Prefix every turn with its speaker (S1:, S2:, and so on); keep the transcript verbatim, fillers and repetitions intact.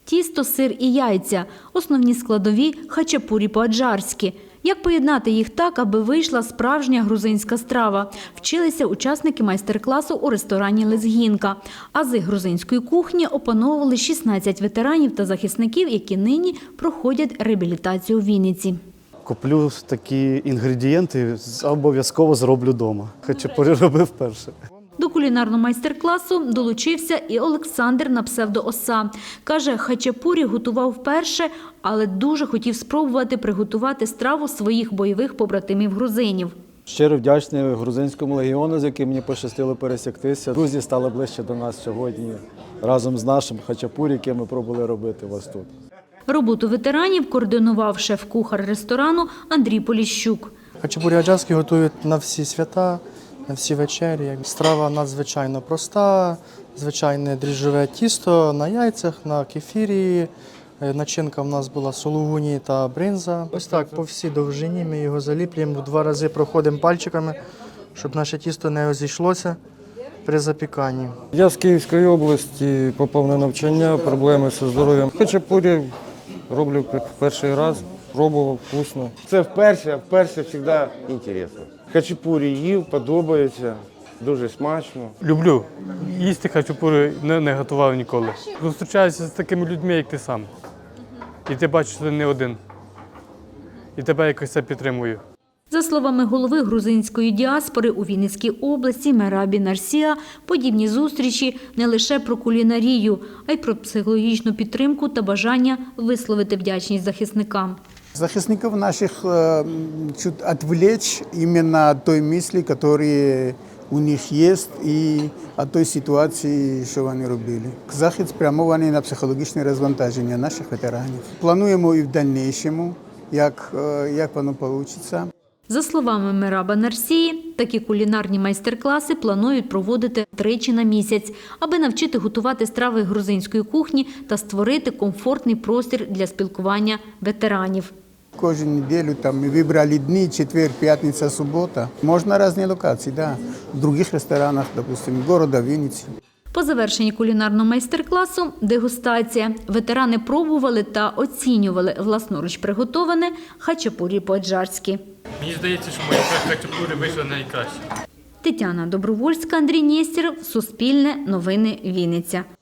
S1: Тісто, сир і яйця – основні складові хачапурі по-аджарськи. Як поєднати їх так, аби вийшла справжня грузинська страва? Вчилися учасники майстер-класу у ресторані «Лезгінка». Ази грузинської кухні опановували шістнадцять ветеранів та захисників, які нині проходять реабілітацію у Вінниці.
S2: Куплю такі інгредієнти, обов'язково зроблю вдома. Хачапурі робив вперше.
S1: До кулінарного майстер-класу долучився і Олександр на псевдо Оса. Каже, хачапурі готував вперше, але дуже хотів спробувати приготувати страву своїх бойових побратимів-грузинів.
S3: Щиро вдячний грузинському легіону, з яким мені пощастило пересіктися. Друзі стали ближче до нас сьогодні разом з нашим хачапурі, який ми пробували робити у вас тут.
S1: Роботу ветеранів координував шеф-кухар ресторану Андрій Поліщук.
S4: Хачапурі аджарські готують на всі свята, на всі вечері. Страва надзвичайно проста, звичайне дріжджове тісто на яйцях, на кефірі. Начинка в нас була сулугуні та бринза. Ось так по всій довжині ми його заліплюємо, два рази проходимо пальчиками, щоб наше тісто не розійшлося при запіканні.
S5: Я з Київської області, попав на навчання, проблеми зі здоров'ям. Хачапурі роблю перший раз, пробував, вкусно.
S6: Це вперше, а вперше завжди цікаво. Хачапурі їв, подобається, дуже смачно.
S7: Люблю. Їсти хачапурі не, не готував ніколи. Зустрічаюся з такими людьми, як ти сам. І ти бачиш, що ти не один. І тебе якось це підтримує.
S1: За словами голови грузинської діаспори у Вінницькій області Мерабі Нарсія, подібні зустрічі не лише про кулінарію, а й про психологічну підтримку та бажання висловити вдячність захисникам.
S8: Захисников наших чуть отвлечь именно от той мысли, которые у них есть, и от той ситуації, що вони робили. Захід спрямований на психологічне розвантаження наших ветеранів. Плануємо і в дальнейшому, як, як воно вийде.
S1: За словами Мераба Нарсії, такі кулінарні майстер-класи планують проводити тричі на місяць, аби навчити готувати страви грузинської кухні та створити комфортний простір для спілкування ветеранів.
S8: Кожну неділю там ми вибрали дні, четвер, п'ятниця, субота. Можна різні локації, да. В інших ресторанах, допустимо, міста Вінниці.
S1: По завершенні кулінарного майстер-класу – дегустація. Ветерани пробували та оцінювали власноруч приготоване хачапурі по-аджарськи.
S7: Мені здається, що мої хачапурі вийшли найкраще.
S1: Тетяна Добровольська, Андрій Нєстєров, Суспільне, Новини Вінниця.